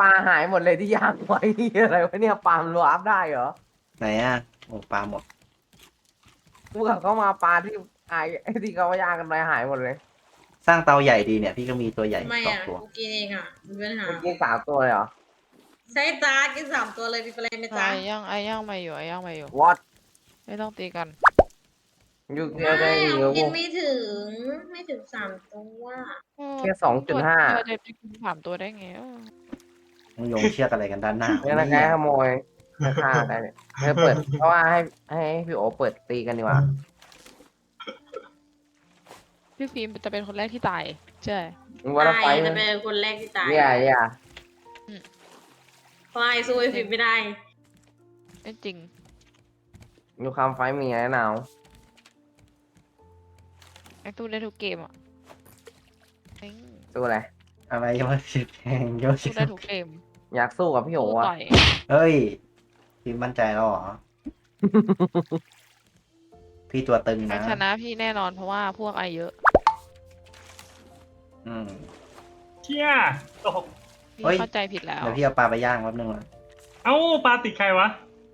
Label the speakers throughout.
Speaker 1: ปลาหายหมดเลยที่ย่างไว้อะไรวะเนี่ยปลามันวาร์ปได้เหรอ
Speaker 2: ไหนอ่ะโอ้ปลาหมด
Speaker 1: กูกับเขามาปลาที่ไอ้ที่เขาย่างกันไปหายหมดเลย
Speaker 2: สร้างเตาใหญ่ดีเนี่ยพี่ก็มีตัวใหญ่
Speaker 3: ทำไมอ่ะ
Speaker 2: 2 ตัว
Speaker 3: กูกินเองอ่ะมีปัญหา
Speaker 1: เมื่อกี้3 ตัวเลยเหรอ
Speaker 3: ใช้จ้ากิน3 ตัวเลยมีอะไรไหมจ้า
Speaker 4: ไอ้ย่างมาอยู่ไอ้ย่างมาอยู่
Speaker 1: วอต
Speaker 4: ไม่ต้องตีกัน
Speaker 1: อยู่เกียว
Speaker 3: ไม่
Speaker 1: ได้
Speaker 3: เอา
Speaker 1: เยอะกู
Speaker 3: กินไม่ถึง3 ตัว
Speaker 1: แค่2.5
Speaker 4: เราจะไปกิน3 ตัวได้ไง
Speaker 2: มึงโยงเชือกอะไรกันด้านหน้า
Speaker 1: เนี่ยนะแกขโมยฆ่าได้เนี่ยเธอเปิดเพราะว่าให้พี่โอเปิดตีกันดีกว่า
Speaker 4: พี่ฟิล์มจะเป็นคนแรกที่ตายใช่
Speaker 1: มึงว่าเราไฟ
Speaker 3: ตายจะเป็นคนแรกที่ตาย
Speaker 1: อย่า
Speaker 3: เพราะไอ้สู้ไอ้ฟิล์มไม่ได้
Speaker 4: ไม่จริง
Speaker 1: อยู่คำไฟมีอะไรหนาว
Speaker 4: ไอ้ตู้ได้ทุกเกมอ่ะจริง
Speaker 1: สู้อะไร
Speaker 2: อะไรมาสิแทงโยชิ
Speaker 4: สู้ได้ทุกเกม
Speaker 1: อยากสู้กับพี่โอ
Speaker 4: สู้
Speaker 1: อะ
Speaker 4: ต่อย
Speaker 2: เฮ้ยพี่มั่นใจแล้วเหรอ พี่ตัวตึง
Speaker 4: ใคร
Speaker 2: นะ
Speaker 4: ชนะพี่แน่นอนเพราะว่าพวกไอเยอะ
Speaker 2: อืม
Speaker 5: เชี่ยตก
Speaker 4: พี่
Speaker 2: เฮ้ย
Speaker 4: เข้าใจผิดแล้ว
Speaker 2: เดี๋ยวพี่เอาปลาไปย่างแป๊บนึงนะ
Speaker 5: เอ้าปลาติดใครวะ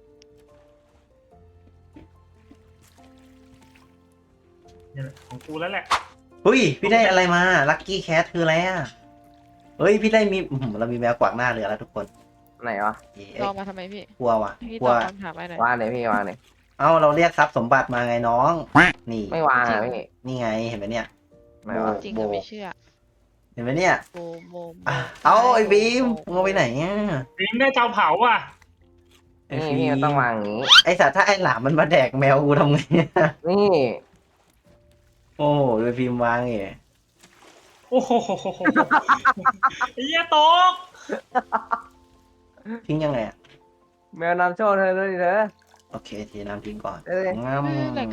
Speaker 5: เนี่ยแหละของกูแล้วแหละ
Speaker 2: เฮ้ยพี่ได้อะไรมาลัคกี้แคทคืออะไรอ่ะเฮ้ยพี่ได้มีเรามีแมวกวักหน้าเรือแล้วทุกคน
Speaker 1: ไหนวะ
Speaker 2: เอ๊ะ
Speaker 4: รอมาทำไมพี่
Speaker 2: กลัวว่ะ
Speaker 4: พี่
Speaker 2: กลั
Speaker 4: ต
Speaker 2: ว
Speaker 4: อบคำถามไปหน่อย
Speaker 1: วางไหนพี่วางไหน
Speaker 2: เอ้าเราเรียกทรัพย์สมบัติมาไงน้อง นี่
Speaker 1: ไม่วางอะพี่
Speaker 2: นี่ไงเห็นไหมเนี่ย
Speaker 1: ไม่วาง
Speaker 4: จริงก็ไม่เชื่อ
Speaker 2: เห็นไหมเนี่ย
Speaker 4: โบโบ
Speaker 2: อ่ะเอาไอ้บีมมึงเอาไปไหนอ่ะ
Speaker 5: ฟิล์มได้เตาเผาอ่ะ
Speaker 2: ไอ้
Speaker 1: นี่
Speaker 2: ฟิ
Speaker 1: พี่
Speaker 2: ล์
Speaker 1: มันต้องวางอย่างนี้
Speaker 2: ไอ้สัตว์ถ้าไอ้หลามมันมาแดกแมวกูทำไงเนี่ย
Speaker 1: นี่
Speaker 2: โอ้โหโดยฟิล์มวางเอง
Speaker 5: โอ้โหไอ้เหี้ยตก
Speaker 2: ทิ้งยังไงอ่ะ
Speaker 1: แมวนำโชคเธอด้วยดิเธอ
Speaker 2: โอเคทีน้ำทิ้งก่อน
Speaker 1: เอ้ย
Speaker 2: งาม
Speaker 4: แรก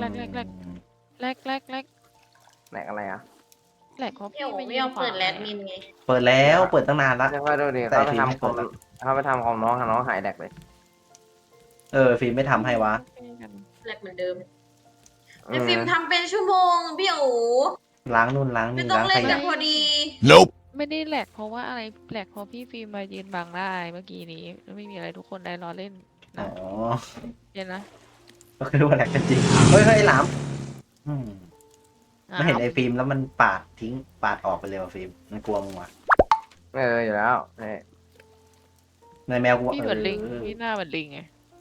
Speaker 1: แหนกอะไรอ่ะ
Speaker 4: แรกเขาะ
Speaker 3: เดี๋
Speaker 4: พี่
Speaker 3: ยว
Speaker 4: ไม่
Speaker 3: ไม่ยอมเปิดแรดมินไง
Speaker 2: เปิดแล้วเปิดตั้งนานละ
Speaker 1: เดี๋ยวค่อยดูดิ
Speaker 2: แต่
Speaker 1: เขาไป
Speaker 2: ฟิล์มไม่
Speaker 1: ทำของ
Speaker 2: เปิด
Speaker 1: เขาไปทำของน้องหายแดกเลย
Speaker 2: ฟิล์มไม่ทำให้วะ
Speaker 3: แรดเหมือนเดิม
Speaker 1: อื
Speaker 3: ไอ้
Speaker 1: ม
Speaker 3: ฟิล์มทำเป็นชั่วโมงพี่โอ๋
Speaker 2: ล้างนู่นล้าง
Speaker 3: ไม่
Speaker 2: นี่
Speaker 3: ต้อง
Speaker 2: ล้าง
Speaker 3: เล่
Speaker 2: ข
Speaker 3: น
Speaker 2: ยะ
Speaker 3: แต่พอดี
Speaker 4: ไม่ได้แหลกเพราะว่าอะไรแหลกเพราะพี่ฟิล์มมายืนบังได้เมื่อกี้นี้ไม่มีอะไรทุกคนได้รอเล่น
Speaker 2: อ๋อ
Speaker 4: เย็นนะ
Speaker 2: ก็คือว่าแหลกกันจริงเฮ้ยไอ้หลามอืมไม่เห็น
Speaker 4: อ้าว
Speaker 2: ไอ้ฟิล์มแล้วมันปาดทิ้งปาดออกไปเลยว่ะฟิล์มมันกลัวมึงว่ะ
Speaker 1: อยู่แล้วนี่
Speaker 2: ในแมวกู
Speaker 4: พี่เหมือนลิงพี่หน้าเหมือนลิงไง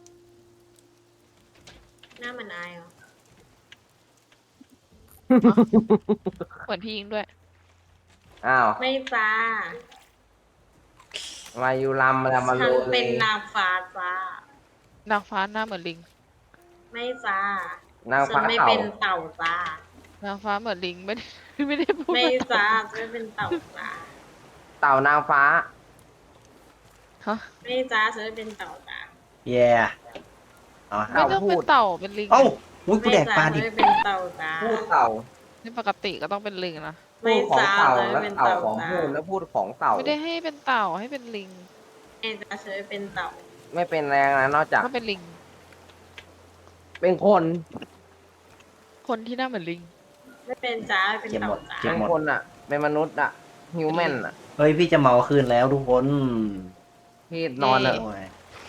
Speaker 3: หน้ามันอายเหรอ
Speaker 4: เหมือนพี่ยิงด้วย
Speaker 1: อ้าว
Speaker 3: ไม่จ้า
Speaker 1: มาอยู่ลำมา
Speaker 3: ฉั
Speaker 1: โล
Speaker 3: น
Speaker 1: เล
Speaker 3: เป็น
Speaker 1: ย
Speaker 3: นางฟ้าจ้าน
Speaker 4: างฟ้าหน้าเหมือนลิง
Speaker 3: ไม่จ้าน
Speaker 1: าง
Speaker 3: ฉั
Speaker 1: ฟ้าน
Speaker 3: ไม่
Speaker 1: เต่า
Speaker 3: เป็นเต่าจ้าน
Speaker 4: างฟ้าเหมือนลิงไม่ได้ไม่ได้พูด
Speaker 3: ไม่
Speaker 4: ว่า
Speaker 3: จ้าฉันไม่เป็นเต่าจ้า
Speaker 1: เต่านางฟ้า
Speaker 4: ฮะ
Speaker 3: ไม่จ้าฉันไม่เป็นเต่าจ้า
Speaker 2: แย่เอา
Speaker 4: ไม่ต้องเป็นเต่าเป็นลิง
Speaker 2: เอ้าอุ้ยกู
Speaker 3: ไม่
Speaker 2: แดกป
Speaker 3: จ้า
Speaker 2: ลา
Speaker 3: ฉัน
Speaker 2: ดิบ
Speaker 3: ไม่เป็นเต่าจ้า
Speaker 1: พูดเต่า
Speaker 4: นี่ปกติก็ต้องเป็นลิงนะ
Speaker 1: พู
Speaker 3: ไม่
Speaker 1: ดของ
Speaker 3: จ้า
Speaker 1: เต่า
Speaker 3: ฉันไม่
Speaker 1: แล้ว
Speaker 3: เป็น
Speaker 1: เต่า
Speaker 3: เต่า
Speaker 1: ของ
Speaker 3: จ้า
Speaker 1: พูดแล้วพูดของเต่า
Speaker 4: ไม่ได้ให้เป็นเต่าให้เป็นลิง
Speaker 3: ไม่จ้าฉันไม่เป็นเต่า
Speaker 1: ไม่เป็นแรงนะนอกจาก
Speaker 4: ก็เป็นลิง
Speaker 1: เป็นคน
Speaker 4: คนที่หน้าเหมือนลิง
Speaker 3: ไม่เป็นจ้าไม่เป็น
Speaker 2: เก็บห
Speaker 3: เต่าม
Speaker 2: ด
Speaker 3: จ้า
Speaker 2: เก็บ
Speaker 1: เป็น
Speaker 2: หมด
Speaker 1: คนอ่ะ เป็นมนุษย์อ่ะฮิวแมนอ่ะ
Speaker 2: เฮ้ยพี่จะเมาคืนแล้วทุกคน
Speaker 1: พี่นอนอ่ะ
Speaker 2: โอ้ย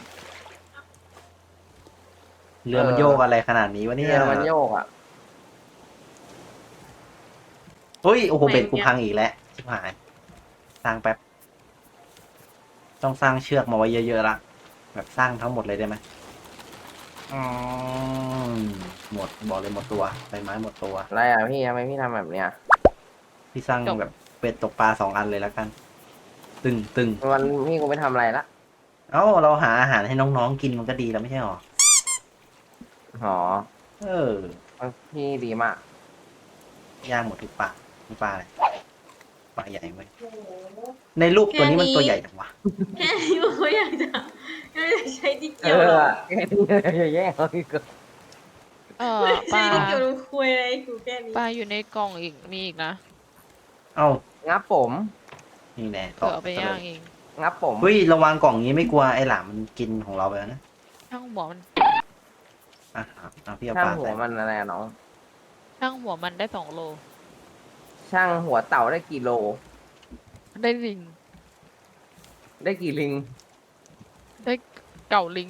Speaker 2: เรือมันโยกอะไรขนาดนี้วะเนี่ย
Speaker 1: เรือมันโยกอ่ะ
Speaker 2: เฮ้ยโอ้โหเบ็ดกูพังอีกแล้วชิบหายสร้างแป๊บ ต้องสร้างเชือกมาไว้เยอะๆละแบบสร้างทั้งหมดเลยได้ไหมอืมหมดบอกเลยหมดตัวใบไม้หมดตัว
Speaker 1: อะไรอ่ะพี่ทำไมพี่ทำแบบเนี้ย
Speaker 2: พี่สร้าง
Speaker 4: จบ
Speaker 2: แบบเป็ดตกปลา2 อันเลยแล้วกัน ตึง
Speaker 1: วันพี่กูไปทำอะไรละ
Speaker 2: เอ้าเราหาอาหารให้น้องๆกินมันก็ดีแล้วไม่ใช่หรอ
Speaker 1: หอ
Speaker 2: เออ
Speaker 1: พี่ดีมาก
Speaker 2: ย่างหมดทุกปลานี่ปลาอะไรปลาใหญ่เว้ยในรูปตัวนี้มันตัวใหญ่จังวะ
Speaker 3: แค่นี้มันก็อยากจะใช้ที่
Speaker 1: เอ
Speaker 3: เกี่ยว
Speaker 1: อ
Speaker 3: หรอ
Speaker 1: แค่นี้อย่าแย่งเขาอีก
Speaker 3: ไม่
Speaker 4: ป
Speaker 3: ใช่
Speaker 4: ลา
Speaker 3: ที่เกี่ยวกับคุยอะไรกูแค่นี้
Speaker 4: ปลาอยู่ในกล่องอีกมีอีกนะ
Speaker 2: เอ้า
Speaker 1: งับผม
Speaker 2: นี่แน่
Speaker 4: เผื่อเอาไปย่างเอง
Speaker 1: งับผม
Speaker 2: เฮ้ยระวังกล่องนี้ไม่กลัวไอ้หลามมันกินของเราไปแล้วนะ
Speaker 4: ช่างหัวมัน
Speaker 2: อ่ะพี่เอา
Speaker 1: ช่าง
Speaker 2: ปลา
Speaker 1: หัว
Speaker 2: ใส่
Speaker 1: มันอะไรอะน้อง
Speaker 4: ช่างหัวมันได้2 โล
Speaker 1: ช่างหัวเต่าได้กี่โล
Speaker 4: ได้ลิง
Speaker 1: ได้กี่ลิง
Speaker 4: ได้เก่าลิง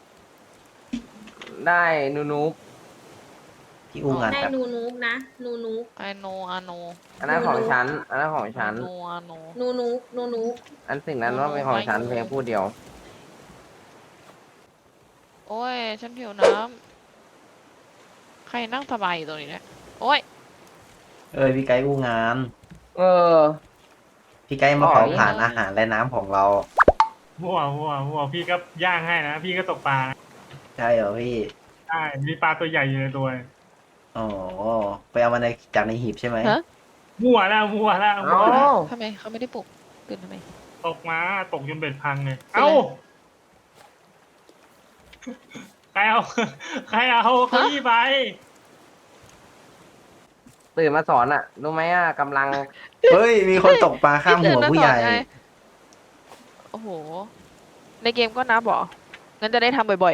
Speaker 1: ได้นู
Speaker 2: พี่อู้งาน
Speaker 3: ได้
Speaker 2: แบบ
Speaker 3: นูนูกนะนูนูก
Speaker 4: I know I know
Speaker 1: อันนั้นของฉัน อันนั้นของฉัน
Speaker 4: I know I know
Speaker 3: นูนูกนูนูก
Speaker 1: อันสิ่งนั้นว่าเป็นของฉันเพียงผู้เดียว
Speaker 4: โอ้ย ฉันหิวน้ำ ใครนั่งสบายอยู่ตรงนี้เนี่ย โอ้ย
Speaker 2: พี่ไกด์อู้งาน
Speaker 1: เออ
Speaker 2: พี่ไกด์มาเผา
Speaker 1: อ๋อ
Speaker 2: ผ่านอาหารและน้ำของเรา
Speaker 5: มั่วพี่ก็ย่างให้นะ พี่ก็ตกปลานะ
Speaker 2: ใช่เหรอพี่
Speaker 5: ใช่มีปลาตัวใหญ่อยู่ในตัว
Speaker 2: อ๋อไปเอามาจากในหีบใช่ไหม
Speaker 4: ฮะ
Speaker 5: มั่วแล้ว
Speaker 1: เอ้า
Speaker 4: ทำไมเขาไม่ได้ปลุกตื่นทำไม
Speaker 5: ตกมาตกจนเบ็ดพังเลยเอ้าใครเอาใครเอาเก้าอี้ไป
Speaker 1: ตื่นมาสอนอ่ะ รู้ไหมอ่ะกำลัง
Speaker 2: เฮ้ย มีคนตกปลาข้ามหัวผู้ใหญ่
Speaker 4: พี่เตือนมาสอนไง โอ้โห ในเกมก็นับเหรอ งั้นจะได้ทำบ่อย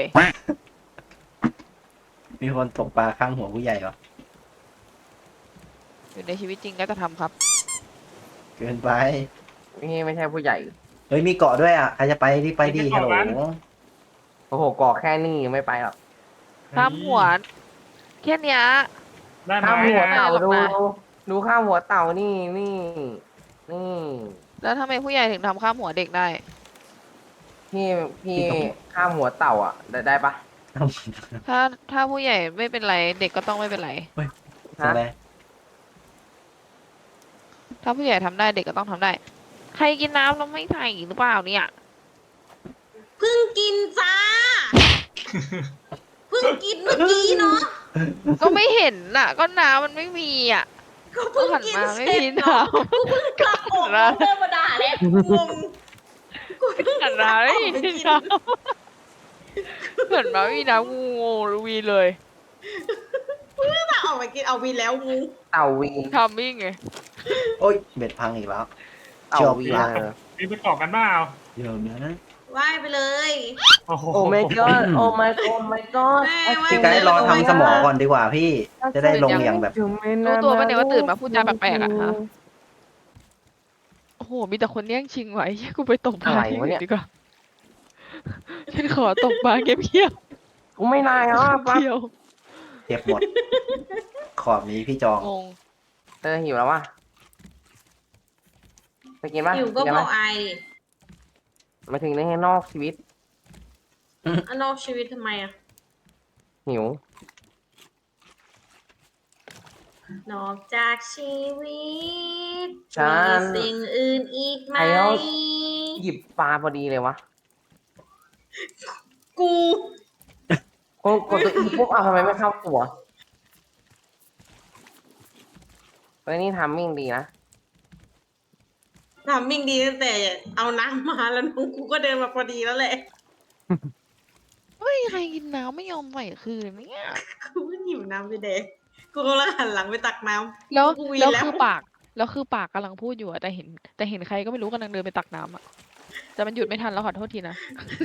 Speaker 2: มีคนตกปลาข้ามหัวผู้ใหญ่เหรอ
Speaker 4: ๆ อยู่ในชีวิตจริงก็จะทำครับ
Speaker 2: เกินไป
Speaker 1: นี่ไม่ใช่ผู้ใหญ่
Speaker 2: เฮ้ย มีเกาะด้วยอ่ะ ใครจะไปรีบไปดิฮัลโหล
Speaker 1: โอ้โหกอกแค่นี้ยังไม่ไปหรอก
Speaker 4: ข้ามหัว แค่เนี้ย
Speaker 5: ได้ไหม
Speaker 1: ข้ามหัว
Speaker 5: นะ
Speaker 1: เต่า
Speaker 4: หรอก
Speaker 1: ดู
Speaker 4: นะ
Speaker 1: ดูข้ามหัวเต่านี่
Speaker 4: แล้วทำไมผู้ใหญ่ถึงทำข้ามหัวเด็กได้
Speaker 1: พี่ข้ามหัวเต่าอ่ะ ได้ปะ
Speaker 4: ถ้าผู้ใหญ่ไม่เป็นไร เด็กก็ต้องไม่เป็นไร
Speaker 2: ใช่ไหม
Speaker 4: ถ้าผู้ใหญ่ทำได้เด็กก็ต้องทำได้ ใครกินน้ำแล้วไม่ใส่หรือเปล่าเนี่ย
Speaker 3: เพิ่งกินจ้าเพิ่งกินเมื่อกี้เนาะ
Speaker 4: ก็ไม่เห็นน่ะ ก็น้ำมันไม่มีอ่ะ
Speaker 3: ก็เพิ่งกิน
Speaker 4: หันมา
Speaker 3: เส
Speaker 4: ไม่
Speaker 3: ร็จ
Speaker 4: มี
Speaker 3: เนาะ
Speaker 4: น้ำ
Speaker 3: กูเพิ่งกลับอก
Speaker 4: นะ
Speaker 3: เดินมาด่าแล้วงงกูเพิ่ง
Speaker 4: หันมาไม่มีน้ำเหมือนมาไม่มีน้ำงูรูวีเลย
Speaker 3: จะออกมากินเอาวีแล้วงู
Speaker 1: เต่าวี
Speaker 4: ทำมิ่งไง
Speaker 2: โอ้ย เบ็ดพังอีกแล้ว
Speaker 1: เต่า
Speaker 2: จบ
Speaker 1: วี
Speaker 2: ละ
Speaker 5: มีไปเกาะกันเปล่า
Speaker 2: เดี๋ยวนะ
Speaker 3: ว่ายไปเลย
Speaker 5: โอ้โห
Speaker 1: โอ้ my god โอ้ my god my god
Speaker 3: แม่ว่า
Speaker 2: พี่ไกด์รอทำสมอก่อนดีกว่าพี่ จะได้ลงอย่างแบบ
Speaker 4: รู้ตัวปะเนี่ยว่าตื่นมาพูดจาแปลกๆอะฮะ โอ้โห มีแต่คนแย่งชิงไว้กูไปตกปลา
Speaker 1: อะไร
Speaker 4: ที่
Speaker 1: วะ
Speaker 4: อื่
Speaker 1: เนี่
Speaker 4: น
Speaker 1: ย
Speaker 4: ดีกว่า ฉันขอตกปลาเงียบ
Speaker 1: กูไม่นายอ่ะ
Speaker 4: ๆ
Speaker 1: ปั๊บ
Speaker 4: เที่ยว
Speaker 2: เก็บหมด ขอบนี้พี่จอง
Speaker 4: งง
Speaker 1: หิวแล้ววะไปกินปะ
Speaker 3: อยู่ก็
Speaker 1: กิน
Speaker 3: บ
Speaker 1: ไหม
Speaker 3: อกไอดิ
Speaker 1: มาถึงในนอกชีวิต
Speaker 3: อันนอกชีวิตทำไมอะ
Speaker 1: หิว
Speaker 3: นอกจากชีวิต
Speaker 1: ฉัน
Speaker 3: มีสิ่งอื่นอีกไหม
Speaker 1: ไอ้เอา หยิบปลาพอดีเลยวะ
Speaker 3: กู
Speaker 1: กดตัวอีปุ๊บทำไมไม่เข้าตัวเฮ้ยนี่ทำมิ่งดีนะ
Speaker 3: ทำมิ่งดีตั้งแต่เอาน้ำมาแล้วน้องกูก็เดินมาพอดีแล้วแหละ
Speaker 4: เฮ้ย ใครกินน้ำไม่ยอมใส่คืนเนี่ย
Speaker 3: กูก็หิวน้ำไปเด็กกูกำลังหันหลังไปตักน้ำ
Speaker 4: แล้ว
Speaker 3: กูวี
Speaker 4: แล้ว
Speaker 3: แล้ว
Speaker 4: คือปากกำลังพูดอยู่อะแต่เห็นใครก็ไม่รู้กำลังเดินไปตักน้ำอะแต่มันหยุดไม่ทันแล้วขอโทษทีนะ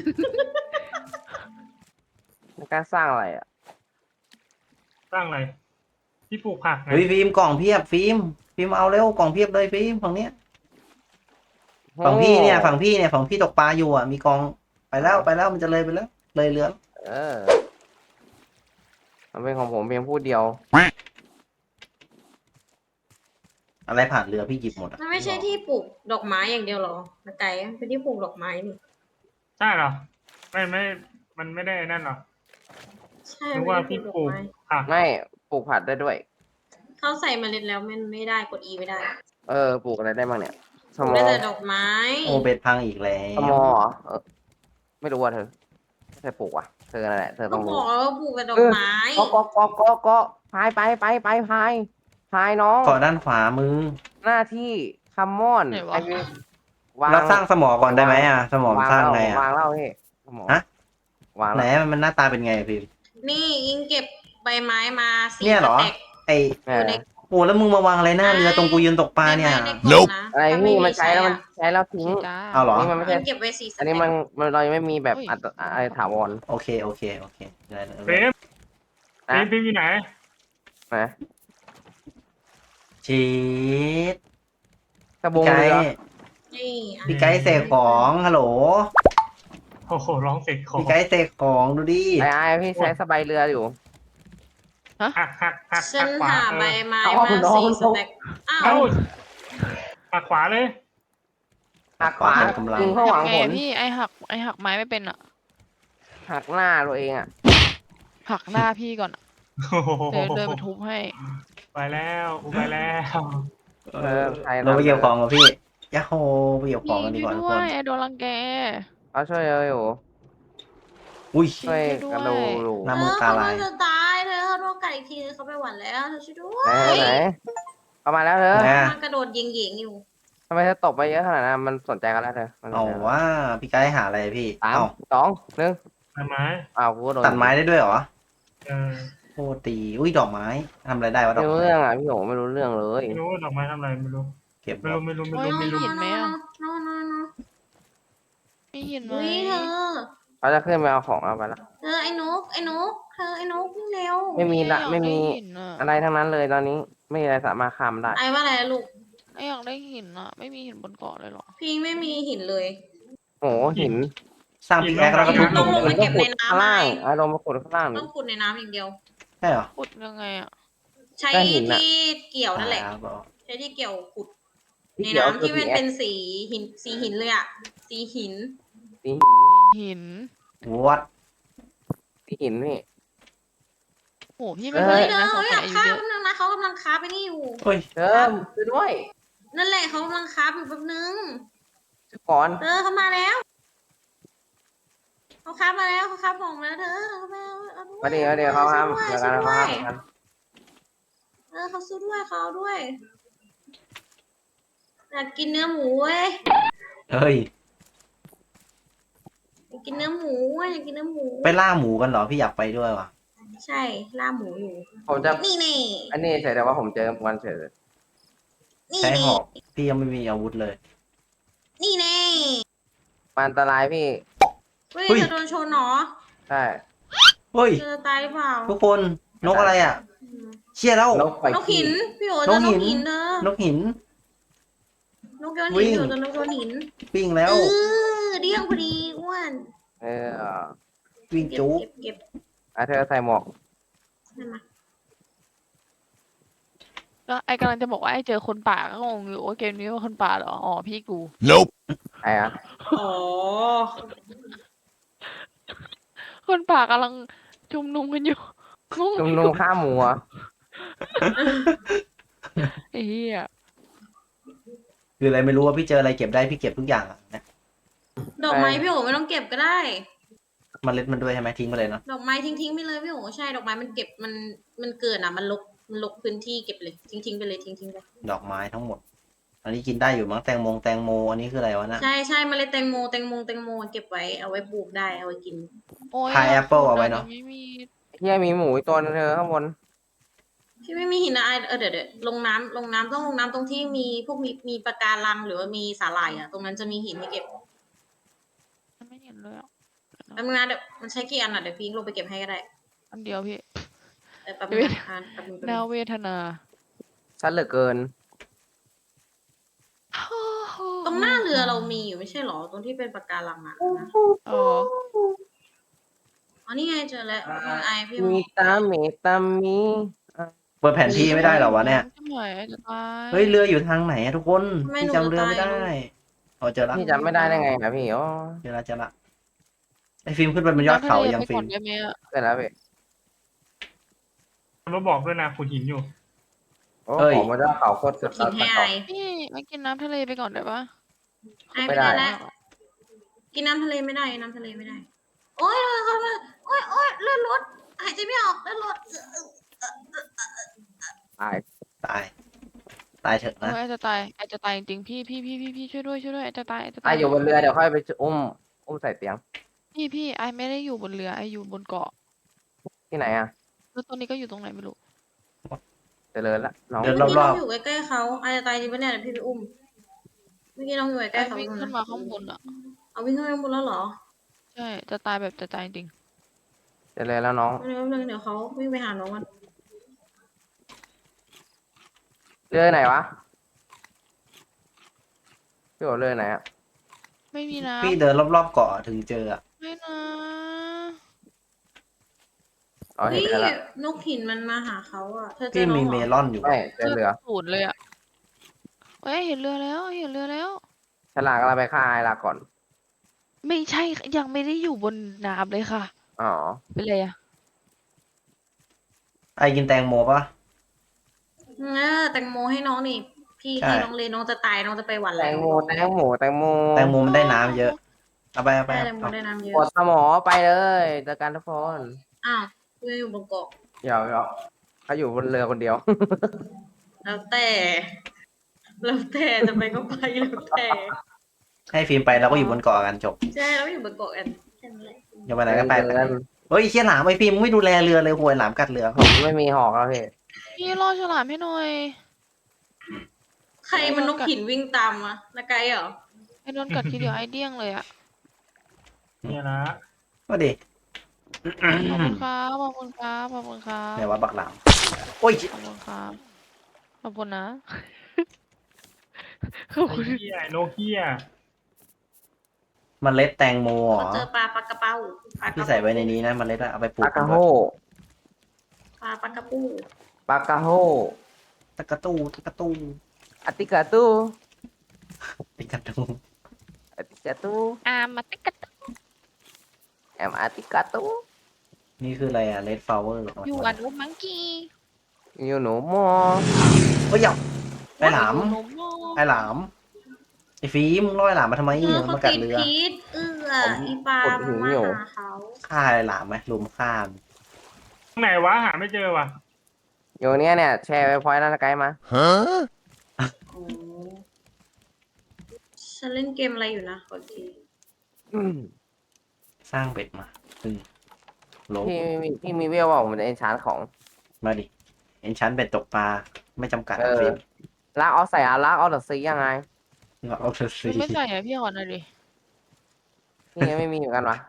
Speaker 1: ไม่กล้าสร้างอะไรอ่ะ
Speaker 5: สร้างอะไรที่ปลูกผักไง
Speaker 2: เฮ้ยฟิล์มกล่องเพียบฟิล์มเอาเร็วกล่องเพียบเลยฟิล์มฝั่งเนี้ยฝั่งพี่ตกปลาอยู่อ่ะมีกองไปแล้วมันจะเลยไปแล้วเลยเรือ
Speaker 1: เออ มันเป็นของผมเพียงผู้เดียว
Speaker 2: อะไรผ่านเรือพี่หยิบหมดอ่ะ
Speaker 3: มันไม่ใช่ที่ปลูกดอกไม้อย่างเดียวหรอนาไก่เป็นที่ปลูกดอกไม้นี่
Speaker 5: ใช่เหรอไม่มันไม่ได้นั่นหรอ
Speaker 3: ใช่
Speaker 5: นึก
Speaker 3: ไม่
Speaker 5: ว่า
Speaker 3: ได้
Speaker 5: พี่
Speaker 3: ปลูก
Speaker 5: ปลู
Speaker 3: ดอก
Speaker 5: ก
Speaker 3: ไม้
Speaker 5: ผัก
Speaker 1: ไม่ปลูกผัดได้ด้วย
Speaker 3: เขาใส่เมล็ดแล้วมันไม่ได้กด E ไม่ได้
Speaker 1: เออ ปลูกอะไรได้บ้างเนี่ย ส
Speaker 3: ปลูก
Speaker 1: มอ
Speaker 3: ได้แต่ดอกไม้
Speaker 2: โอเบ็ดพังอีกแล้
Speaker 1: ส
Speaker 2: ว
Speaker 1: มอเหรอไม่รู้ว่าเธอไม่เคยปลูกว่ะ เธอนั่นแหละ เธอ
Speaker 3: ก็
Speaker 1: ต้อง
Speaker 3: บ
Speaker 1: รู้
Speaker 3: อกแล้วว่าปลูกแต่ดอกไม้
Speaker 1: ก็พายพายน้อง
Speaker 2: เกาะด้านขวามือ
Speaker 1: หน้าที่คัมมอน
Speaker 4: ไหนวะ
Speaker 1: ไอ้วาง
Speaker 2: เราสร้างสมอก่อนได้ไหมอ่ะสมอสร้างไง
Speaker 1: วา
Speaker 2: อ่ะ
Speaker 1: งเล่าพี่สมอ
Speaker 2: ฮะ
Speaker 1: วาง
Speaker 2: ไหน
Speaker 1: แล้ว
Speaker 2: มันหน้าตาเป็นไงฟิล์ม
Speaker 3: นี่อิงเก็บใบไม้มาสี่
Speaker 2: เนี่ยเหรอ
Speaker 3: สต็ก
Speaker 2: ไอ
Speaker 1: เอ
Speaker 3: อยู่
Speaker 1: อ
Speaker 3: ใน
Speaker 2: โอ้แล้วมึงมาวางอะไรหน้าเรือตรงกูยืนตกปลาเนี่ย
Speaker 3: ไม่ได้กดนะ
Speaker 1: อะไร
Speaker 3: ถ้า
Speaker 1: พี่
Speaker 3: มี
Speaker 1: มันใช้แล้วมัน
Speaker 3: อะ
Speaker 1: ใช้แล้วทิ้ง
Speaker 4: จ้า
Speaker 2: เอาเหรอ
Speaker 1: นี่มันไม่
Speaker 3: อิ
Speaker 1: ใช่
Speaker 3: งเก็บไว้สี่ส
Speaker 1: อัน
Speaker 3: เต็
Speaker 1: นี้
Speaker 3: ก
Speaker 1: มันเรายังไม่มีแบบ
Speaker 4: เฮ้ย
Speaker 1: อะไรถาวร
Speaker 2: โอเคได้เลย
Speaker 5: เฟรม
Speaker 1: นะ
Speaker 5: ฟิล์มอยู่ไหน
Speaker 1: นะ
Speaker 2: ชีส
Speaker 1: กระบง
Speaker 2: ไก
Speaker 1: เรือ
Speaker 2: ด์
Speaker 3: นี่
Speaker 2: พี่ไกด์เสกของฮัลโหล
Speaker 5: โอ้โหร้องเสกของ
Speaker 2: พี่ไกด์เสกของดูดิ
Speaker 1: ไอ้พี่ใช้สบายเรืออยู่
Speaker 5: หัก
Speaker 3: ฉัน
Speaker 5: ขวา
Speaker 3: หาใบไม้
Speaker 1: เอา
Speaker 3: มา
Speaker 1: น้อง
Speaker 3: สี่สแต็กอ้าว
Speaker 5: เอ้าหักขวาเลย
Speaker 1: หักขวา
Speaker 2: เต็มกำลัง
Speaker 1: ยิงเข้าหวัง
Speaker 4: ไง
Speaker 1: ผล
Speaker 4: อะพี่ไอหักไม้ไม่เป็นอะ
Speaker 1: หักหน้าตัวเองอ่ะ
Speaker 4: หักหน้าพี่ก่อนอะ
Speaker 5: โอ้โห
Speaker 4: เดินไปทุบให้
Speaker 5: ไปแล้วกูไปแล้ว
Speaker 1: ใช่
Speaker 2: เราไปเก็บของกับพี่ยะโฮไปเก็บข
Speaker 4: พี่
Speaker 2: องกันดี
Speaker 4: ช่วย
Speaker 2: กว่าทุก
Speaker 4: ด้
Speaker 2: ค
Speaker 4: วย
Speaker 2: น
Speaker 4: ไอโดนรังแก
Speaker 1: เขาช่วยเราอยู่
Speaker 2: อุ้ย
Speaker 1: ช่วย
Speaker 4: ช่วยด้วย
Speaker 1: กันดูดู
Speaker 2: น้ำ
Speaker 3: เธ
Speaker 2: มื
Speaker 3: อ
Speaker 2: ตา
Speaker 3: เขา
Speaker 2: ลาย
Speaker 3: จะตายเธอเขาโดนกัดอีกทีเขาไปหวันแล้วเธอช่วยด้ว
Speaker 1: ไหน
Speaker 3: ย
Speaker 1: ไหนเอามาแล้วเธอ
Speaker 2: นะ
Speaker 3: มันกระโดดยิงหญิงอยู่
Speaker 1: ทำไมเธอตกไปเยอะขนาดนั้นมันสนใจกันแล้วเธอมันสน
Speaker 2: เอา
Speaker 1: ใจกัน
Speaker 2: ว่าพี่ไกด์หาอะไรพี่
Speaker 1: สาม
Speaker 2: เอา
Speaker 1: สองหนึ่ง
Speaker 5: ทำไม
Speaker 1: อ้าวกูก็โดน
Speaker 2: ตัดไม้ได้ด้วยเหรอ
Speaker 5: เออ
Speaker 2: โอ้ตีอุ้ยดอกไม้ทำอะไรได้วะด
Speaker 1: ไม่
Speaker 2: อก
Speaker 1: รู้
Speaker 2: ไม้
Speaker 1: เรื่องอ่ะพี่โหไม่รู้เรื่องเลย
Speaker 5: ไม่รู้ว่าดอกไม้ทำอะไรไม่รู้
Speaker 2: เก็บ
Speaker 5: ไม่
Speaker 2: ดอก
Speaker 5: รู้
Speaker 4: โอ้ย
Speaker 5: ไม่รู้
Speaker 4: มีหินไหมอะ
Speaker 3: น้อง
Speaker 4: มีหินไหม
Speaker 3: เฮ้ยเธอ
Speaker 1: เขาจะขึ้นไปเอาของเอาไปละ
Speaker 3: เธอไอ้นกเธอไอ้นกวิ่งเร็ว
Speaker 1: ไม่มีละ
Speaker 4: อยาก
Speaker 1: ไม่มี
Speaker 4: ด้หินอะ
Speaker 1: อะไรทั้งนั้นเลยตอนนี้ไม่มีอะไรสามารถข้ามได้
Speaker 3: ไอ้ว่าอะไรลูก
Speaker 4: ไออยากได้หินอะไม่มีหินบนเกาะเลยเหรอ
Speaker 3: พี่ไม่มีหินเลย
Speaker 1: โอ้โหหิน
Speaker 2: สร้างพิกแอคแล้วก็ทุบห
Speaker 3: ต้
Speaker 2: ลุ
Speaker 3: อง
Speaker 2: ม
Speaker 3: ลง
Speaker 2: ได้
Speaker 3: ไป
Speaker 2: ไหม
Speaker 3: เก็บในน้ำ
Speaker 1: ข้างล่าง
Speaker 3: ไง
Speaker 1: อารมณ์มาขุดข้างล่าง
Speaker 3: ต้องขุดในน้ำอย่างเดียว
Speaker 2: ใช่เหรอ
Speaker 4: ขุดยังไงอะ
Speaker 3: ใช้
Speaker 1: ได้หินอะ
Speaker 3: ที่เกี่ยวนั่นแหละ
Speaker 2: ครับผม
Speaker 3: ใช้ที่เกี่ยวขุด
Speaker 1: ที่
Speaker 3: ใน
Speaker 1: เกี่ยว
Speaker 3: น้ำ
Speaker 1: คือ
Speaker 3: ที่มัน
Speaker 1: PX
Speaker 3: เป็นสีหินเลยอะสีหิน
Speaker 1: สีหิน
Speaker 4: หิน
Speaker 2: วัด
Speaker 1: สีหินนี่
Speaker 4: โอ้พี่ไม่
Speaker 1: เอ
Speaker 4: เค
Speaker 1: อ
Speaker 4: ย
Speaker 3: เฮ้ย
Speaker 4: เห็น
Speaker 3: เธอ
Speaker 4: นะสง
Speaker 3: เขาอ
Speaker 4: สัย
Speaker 3: ยาก
Speaker 4: อายุ
Speaker 3: ฆ่า
Speaker 4: เยอะ
Speaker 3: แป๊บนึงนะเขากำลังค้าไปนี่อยู่
Speaker 2: เฮ้ย
Speaker 1: เธอช่วยด้วย
Speaker 3: นั่นแหละเขากำลังค้าอยู่แป๊บนึง
Speaker 1: ช่วยก่อน
Speaker 3: เธอเขามาแล้วเขาค้ามาแล้วเขาค้าของมาแล้วเธอเขามาเอาด้วย
Speaker 1: มาเดี๋ยวเขาห้าม
Speaker 3: ช่วย
Speaker 1: เดี๋ยว
Speaker 3: ช่
Speaker 1: กั
Speaker 3: วน ย
Speaker 1: เขา
Speaker 3: ด้ว
Speaker 1: ห้าย มกัน
Speaker 3: เขาสู้ด้วยเขาเอาด้วยอยากกินเนื้อหมูเว้ย
Speaker 2: เฮ้ย
Speaker 3: อยากกินเนื้อหมูเว้ยอยากกินเนื้อหมู
Speaker 2: ไปล่าหมูกันเหรอพี่อยากไปด้วยว่ะ
Speaker 3: ใช่ล่าหมูอยู่
Speaker 1: ผมจะ
Speaker 3: นี่นี่
Speaker 1: อันนี้เฉยแต่ว่าผมเจอวันเฉย
Speaker 3: นี่
Speaker 2: ใช้ห
Speaker 3: นี่
Speaker 2: อกพี่ยังไม่มีอาวุธเลย
Speaker 3: นี่แน่
Speaker 1: มันอันตรายพี่
Speaker 3: เฮ้ย
Speaker 2: เฮ้ย
Speaker 3: เธอโดนชนเหรอ
Speaker 1: ใช่
Speaker 2: เฮ้ย
Speaker 3: เธอจะตายหรือเปล่า
Speaker 2: ทุกคนนกอะไรอ่ะ เชี่ยแล้ว
Speaker 1: นกไฟ
Speaker 3: นก
Speaker 1: ขี้
Speaker 3: หินพี่โอ๋เจอน
Speaker 2: กหิ
Speaker 3: ก
Speaker 2: น
Speaker 3: หินเธอน
Speaker 2: กหิน
Speaker 3: นกโยน
Speaker 2: วิ่
Speaker 3: หิน
Speaker 2: ง
Speaker 3: พี่โอ๋เจอนกโยนหิน
Speaker 2: วิ่งแล้ว
Speaker 3: เดี้ยงพอดีอ้วน
Speaker 1: เออ
Speaker 2: วิ่ง
Speaker 3: เก็บ
Speaker 2: จุ๊บ
Speaker 3: เก็บ
Speaker 1: อ่ะเธอใส่หมวก
Speaker 3: นั่นมา
Speaker 4: ก็ไอกำลังจะบอกว่าไอเจอคนป่าก็งงอยู่ว่าเกมนี้ว่าคนป่าเหรออ๋อพี่กู
Speaker 1: ไอ้อะ
Speaker 3: อ๋อ
Speaker 4: คนป่ากำลังชุมนุมกันอยู่งง
Speaker 1: จุ่มนุมข้ามหมูเหรอ
Speaker 4: ไอ้เหี้ย
Speaker 2: คืออะไรไม่รู้ว่าพี่เจออะไรเก็บได้พี่เก็บทุกอย่างอะนะ
Speaker 3: ดอกไม้พี่โอ๋ไม่ต้องเก็บก็ได้
Speaker 2: เมล็ดมันด้วยใช่ไหมทิ้งไปเลยเนาะ
Speaker 3: ดอกไม้ทิ้งไปเลยพี่โอ๋ใช่ดอกไม้มันเก็บมันเกินอ่ะมันลกพื้นที่เก็บเลยทิ้งไปเลยทิ้งไป
Speaker 2: ดอกไม้ทั้งหมด อันนี้กินได้อยู่มั้งแตงโมอันนี้คืออะไรวะนะ
Speaker 3: ใช่เมล็ดแตงโมเก็บไว้เอาไว้ปลูกได้เอาไว้กิน
Speaker 4: โอ้ย
Speaker 2: พายแอปเปิลเอาไว้เนาะ
Speaker 4: ไม่มี
Speaker 1: เฮียมีหมูอีกตัวนึงเธอข้างบน
Speaker 3: พี่ไม่มีหินอะเดี๋ยวลงน้ำต้องลงน้ำตรงที่มีพวกมีปะการังหรือว่ามีสาหร่ายอ่ะตรงนั้นจะมีหินให้เก็บ
Speaker 4: ไม่เห็นเลยอ่ะ
Speaker 3: แป๊บนึงนะเดี๋ยวมันใช้กี่อันอ่ะเดี๋ยวพี่ลงไปเก็บให้ก็ได้
Speaker 4: อันเดียวพี่
Speaker 3: แป๊บนึงนะแป๊บนึง
Speaker 4: น่าเวทนา
Speaker 1: ชัดเหลือเกิน
Speaker 3: ตรงหน้าเรือเรามีอยู่ไม่ใช่หรอตรงที่เป็นปะการังอ่ะนะ
Speaker 4: เออ
Speaker 3: อ๋อนี่ไงเจอแล้วไอพี่
Speaker 1: มีตามีตามีอ่ะ
Speaker 2: เปิดแผนที่ไม่ได้เหรอวะเนี่ย
Speaker 4: ทำไมจะตาย
Speaker 2: เฮ้ยเรืออยู่ทางไหนอะทุกคนพี่จำเรือไม่ได้เอาเจอละ
Speaker 1: พี่จำไม่ได้ได้ไงนะพี่อ๋อ
Speaker 2: เจอละไอฟิล์มขึ้นไปบนยอดเขายัง
Speaker 4: ไป
Speaker 2: ฟิ
Speaker 4: ก่
Speaker 2: ล์
Speaker 4: อน
Speaker 2: ม
Speaker 4: ได้ไหมอะ
Speaker 1: เสร็จแล้วพี่
Speaker 5: มันมาบอกด้วยนะขุดหินอยู่
Speaker 1: โอ้ของมันจะเขาโคตรสุด
Speaker 3: หินให้ไอ
Speaker 4: พี่ไม่กินน้ำทะเลไปก่อนได้ปะ
Speaker 3: ไอไม่ได้แล้วกินน้ำทะเลไม่ได้น้ำทะเลไม่ได้ โอ๊ยเขามาโอ๊ยเลือดลดหายใจไม่ออกเลือดลด
Speaker 1: ตาย
Speaker 2: ตายเถอะ
Speaker 4: โอ้
Speaker 2: นะ
Speaker 4: ยไอจะตายไอจะตายจริงๆพี่ช่วยด้วยไอจะตายไอจะ
Speaker 1: ตา
Speaker 4: ตาย ย
Speaker 1: อยู่บนเรือเดี๋ยวค่อยไปอุ้มใส่เตียง
Speaker 4: พี่ไอไม่ได้อยู่บนเรือไออยู่บนเกาะ
Speaker 1: ที่ไหนอ่ะ
Speaker 4: แล้วตอนนี้ก็อยู่ตรงไหนไม่รู้
Speaker 1: เจริญละน้อง
Speaker 2: เดิน
Speaker 3: เมื่อกี้
Speaker 2: ร
Speaker 3: น้
Speaker 2: อ
Speaker 3: อบ งอยู่ใกล้ๆเขาไอจะตายจริงปะเนี่ยเดี๋ยวพี่ไปอุ้มเมื่อกี้น้องอยู่ใก
Speaker 4: ไอ
Speaker 3: ล้ๆเขา
Speaker 4: วิ่งขึ้นมาข้างบนอ่ะ
Speaker 3: เอาวิ่งขึ้นไปบนแล้วเหรอ
Speaker 4: ใช่จะตายแบบจะตายจริง
Speaker 1: เจริญแล้วน้อง
Speaker 3: เดี๋ยวเขาวิ่งไปหาน้องกัน
Speaker 1: เรือไหนวะพี่โอเลยไหนอ่ะ
Speaker 4: ไม่มีน้
Speaker 2: พี่เดินรอบๆเกาะถึงเจออะ
Speaker 4: ำไม่นะ
Speaker 1: อ๋อเห็น
Speaker 3: พี่
Speaker 1: แล้วละ
Speaker 3: นกหินมันมาหาเขาอ่ะเธอเจ
Speaker 2: พี่
Speaker 3: อน้อ
Speaker 2: มี
Speaker 3: งเห
Speaker 2: เม
Speaker 3: รอ
Speaker 2: ลอนอยู่
Speaker 1: ไม่เจอเรือ
Speaker 4: ศูนย์เลยอ่ะเอ้ยเห็นเรือแล้วเห็นเรือแล้ว
Speaker 1: ฉลากกำลังไปฆ่าไอ้ลาก่อน
Speaker 4: ไม่ใช่ยังไม่ได้อยู่บนน้ำเลยค่ะ
Speaker 1: อ๋อ
Speaker 4: เป็นไรอ่ะ
Speaker 2: ไอกินแตงโมปะ
Speaker 3: แตงโมให้น้องนี่พี่
Speaker 2: ใช่
Speaker 3: ให้น้องเลยน้องจะตายน้องจะไปหวัน
Speaker 1: แต
Speaker 3: แล้ว
Speaker 1: งโมแตงโมแตงโม
Speaker 2: แตงโมมันได้น้ำเยอะเอาไปเอาไป
Speaker 3: ได้
Speaker 2: เอา
Speaker 3: แตงโม
Speaker 2: เอา
Speaker 3: ได้น้ำเย
Speaker 1: ก
Speaker 3: อะ
Speaker 1: ดสมอไปเลยเจอกันทุกคน
Speaker 3: อ้าวกูยังอยู่บนเกาะ
Speaker 1: เดี๋ยวเขาอยู่บนเรือคนเดียว
Speaker 3: แล้วแต่จะไปก็ไปแล้วแต่
Speaker 2: ให้ฟิล์มไปเราก็อยู่บนเกาะกันจบ
Speaker 3: ใช่เราอยู่บนเกาะกันแค่นั้นแหละ
Speaker 2: อย่าไปไหนก็ไป
Speaker 1: เดิน
Speaker 2: เฮ้ยเชี่ยหลามไอฟิล์มมึงไม่ดูแลเรือเลยห่วยหลามกัดเรือ
Speaker 1: ผมไม่มีหอกแล้วพี่
Speaker 4: พี่ล่อฉลามให้หน่อย
Speaker 3: ใครมันนกหินวิ่งตามวะนาไกเหรอ
Speaker 4: ไอ้โดนกัดทีเดียวไอ้เดี้ยงเลยอ่ะ
Speaker 5: เนี่ยนะ
Speaker 2: ก็ดิ
Speaker 4: ขอบคุณครับขอบคุณครับขอบคุณครับ
Speaker 2: ไหนว่าบักหลามโอ้ย
Speaker 4: ขอบคุณครับขอบคุณนะ ขอบ
Speaker 5: ไอ้
Speaker 4: คุณ
Speaker 5: เหี้ยไอ้โนเกีย
Speaker 2: มันเล็ดแตงโมเหร
Speaker 3: เขา
Speaker 2: อ
Speaker 3: เจอปลาระเป้าปลาก
Speaker 2: พี่
Speaker 3: ระ
Speaker 2: ใส่ไว้ในนี้นะมันเล็ดอะเอาไปปลู
Speaker 1: ปาก กาโฮ
Speaker 3: ปลากระปู
Speaker 1: ปากาโฮ
Speaker 2: ตะกะตู้ตะกะตู้
Speaker 1: อติกาตู
Speaker 2: ตะกะตู้
Speaker 1: อติกาตู
Speaker 4: มาติ๊กกัด
Speaker 1: แอมอติกาตู
Speaker 2: นี่คืออะไรอะเลดฟลาวเวอร์
Speaker 4: อยู่อันอุมังกี้
Speaker 1: อยู่หนูมอ
Speaker 2: เฮ้ยเดี๋ยวไอหลาม
Speaker 4: หนูโม่
Speaker 2: ไอหลามไอฟิล์มมึงล่อไอหลามมาทำไม
Speaker 3: เขา
Speaker 2: มันกัด
Speaker 3: ติด
Speaker 2: เรือ
Speaker 3: พิษอีปลามันมาหาเขา
Speaker 2: ฆ่าไอหลามไหมลุมฆ่ามัน
Speaker 5: ไหนวะหาไม่เจอวะ
Speaker 1: อยู่เนี้ยเนี่ยแชร์ไปพอยต์แล้วไกด์มา
Speaker 3: โอ้ฉันเล่นเกมอะไรอยู่นะขอที
Speaker 2: สร้างเบ็ดมาตึงโล
Speaker 1: พี่มีเวลว่าผมจะเอนชานของ
Speaker 2: มาดิเอ็นชั้นเบ็ดตกปลาไม่จำกัด
Speaker 1: เอ
Speaker 2: นะ
Speaker 1: อ
Speaker 2: ฟิล์ม
Speaker 1: ลากเอาใส่ลากเอาเดอะซียังไง
Speaker 2: เอาเธอสิ
Speaker 4: ไม่ใส่อะพี่ขอหน่อยดิ
Speaker 1: พี่ยังไม่มีเหมือนกันวะ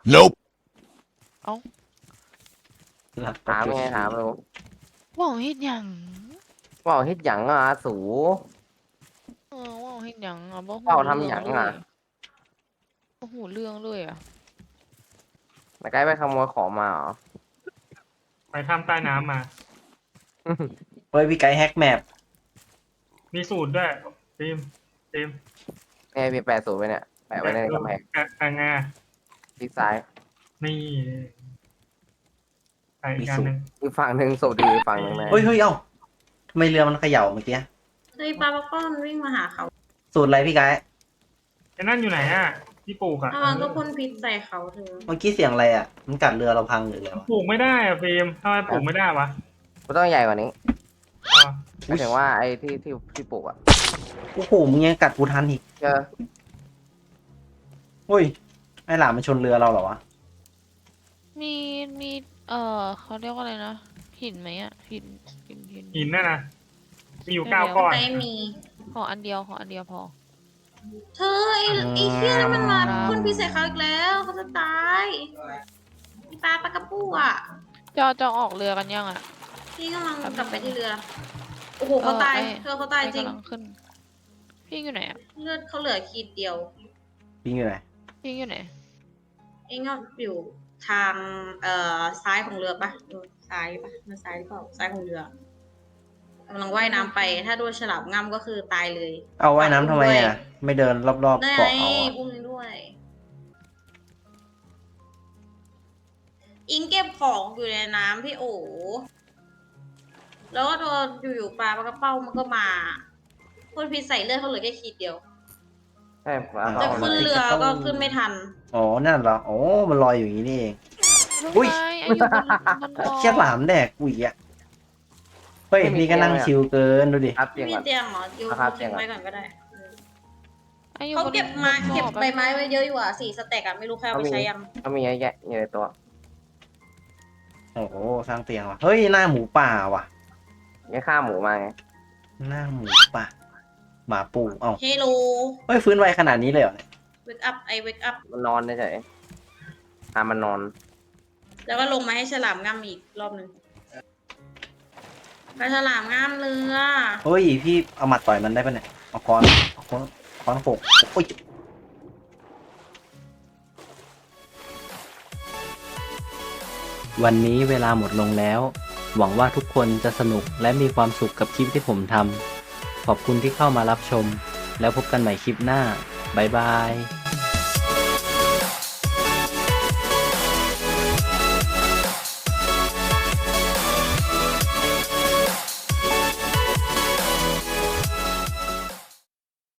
Speaker 1: ถามไงถามรู้
Speaker 4: ว่าวเฮ็ดหยัง
Speaker 1: ว่าเฮ็ดหยังอ่ะสู
Speaker 4: ว่าวเฮ็ดหยังอ่ะบ่หู
Speaker 1: ว่าวทำหยังอะ
Speaker 4: บ่หูเรื่องเลยอ่ะ
Speaker 1: ไกด์ไปขโมยของมาเหรอ
Speaker 5: ไปทำใต้น้ำมา
Speaker 2: เฮ้ยพี่ไกด์แฮกแมป
Speaker 5: มีสูตรด้วยฟิล์ม
Speaker 1: เนี่ยพี่แปะสูตรไว้เนี่ยแปะไว้ในกำแพง
Speaker 5: อ่ะงา
Speaker 1: ทิศซ้าย
Speaker 5: นี่ไปอีกอันหนึ่ง
Speaker 1: อีกฝั่งหนึ่งสูตรดีอีกฝั่งหนึ่งนะ
Speaker 2: เฮ้ยเอ้าทำไมเรือมันเขย่าเมื่อกี้
Speaker 3: เฮ้ยปลาปักป้อนวิ่งมาหาเขา
Speaker 2: สูตรอะไรพี่ไกด์
Speaker 5: ไอ้นั่นอยู่ไหนอ่ะที่ปลูกอ่ะ
Speaker 3: ถ้ามันก็พ่นพิษใส่เขาเธอ
Speaker 2: เมื่อกี้เสียงอะไรอ่ะมันกัดเรือเราพังหรืออะไรวะ
Speaker 5: ปลูกไม่ได้อ่ะฟิล์มทำไมปลูกไม่ได้วะ
Speaker 1: มันต้องใหญ่กว่านี้
Speaker 5: อ๋อ
Speaker 1: หมายถึงว่าไอ้ที่ปลูกอ่ะ
Speaker 2: โอ้โหมึงยังกัดกูทันอีก
Speaker 1: เจอ
Speaker 2: เฮ้ยไอหลามมันชนเรือเราเหรอวะ
Speaker 4: มีเขาเรียกว่าอะไรนะหินไหมอ่ะหิน
Speaker 5: หินน่ะนะมีอยู่9 ก้อน
Speaker 3: ไม่มี
Speaker 4: ขออันเดียวพอ
Speaker 3: เธอไอ้เหี้ยนั่นมันมาพ่นพิษใส่เขาอีกแล้วเขาจะตายอีปลากระปูอ่ะ
Speaker 4: จะออกเรือกันยังอ่ะ
Speaker 3: พี่กำลังกลับไปที่เรือ โอ้โหเขาตาย เธอเขาตายจริง
Speaker 4: กำลังขึ้น พี่อยู่ไหนอ่ะ
Speaker 3: เลือดเขาเหลือขีดเดียว
Speaker 2: พี่อยู่ไหน
Speaker 4: พี่อยู่ไหน
Speaker 3: เองก็อยู่ทางซ้ายของเรือปะซ้ายปะมันซ้ายหรือเปล่าซ้ายของเรือกำลังว่ายน้ำไป ถ้าโดนฉลามง่ำก็คือตายเลย
Speaker 2: เอาว่ายน้ำทำไมอ่ะไม่เดินรอบๆ
Speaker 3: ได้
Speaker 2: เกาะเอาอะ
Speaker 3: อุ้มด้วย อิงเก็บของอยู่ในน้ำพี่โอแล้วก็โดนอยู่ๆปลากระเป้ามันก็มาพ่นพิษใส่เลือดเขาเหลือแค่ขีดเดียว
Speaker 1: ใช่ปลา
Speaker 3: จะ
Speaker 1: เขา
Speaker 3: ขึ้นเรือก็ขึ้นไม่ทัน
Speaker 2: อ๋อนั่นเหรอโอ้มันลอยอยู่อย่างนี้นี่เอง
Speaker 4: ลูก
Speaker 2: อุ๊ย
Speaker 4: ไม้อายุบน
Speaker 2: เชี่ยหลามแดกกูอีกอ่ะเฮ้ยนี่ก็นั่งชิลเกินดูดิ
Speaker 1: ครับเตียง
Speaker 3: ไม่มี
Speaker 1: ก่อน
Speaker 3: เตียงเหรอโยน
Speaker 1: ครับ
Speaker 3: ทิ้งไว้ก่อนก็ได้
Speaker 4: อายุ
Speaker 3: เขาเก็บมา
Speaker 4: บน
Speaker 3: เก็บ
Speaker 4: บ่อ
Speaker 3: ใบไม้ไว้เยอะอยู่อ่ะ4 สเต็กอ่ะไม่รู้ใครเอาไปใช้ยัง
Speaker 1: เขามีเยอะแยะอยู่ในตัว
Speaker 2: โอ้โหสร้างเตียงว่ะเฮ้ยหน้าหมูป่าว่ะ
Speaker 1: ยังฆ่าหมูมาไง
Speaker 2: หน้าหมูป่าหมาปูเอ้า
Speaker 3: เฮโล
Speaker 2: เฮ้ยฟื้นไวขนาดนี้เลยเหรอเนี่ย
Speaker 3: เวกอัพเวกอัพ
Speaker 1: มันนอนเฉยๆมันนอน
Speaker 3: แล้วก็ลงมาให้ฉลามง่ำอีกรอบหนึ่งไปฉลามง่ำเรือ
Speaker 2: เฮ้ยพี่เอาหมัดต่อยมันได้ปะเนี่ยเอาค้อนค้อนหกโอ้ยวันนี้เวลาหมดลงแล้ว หวังว่าทุกคนจะสนุกและมีความสุขกับคลิปที่ผมทำขอบคุณที่เข้ามารับชมแล้วพบกันใหม่คลิปหน้าบ๊ายบาย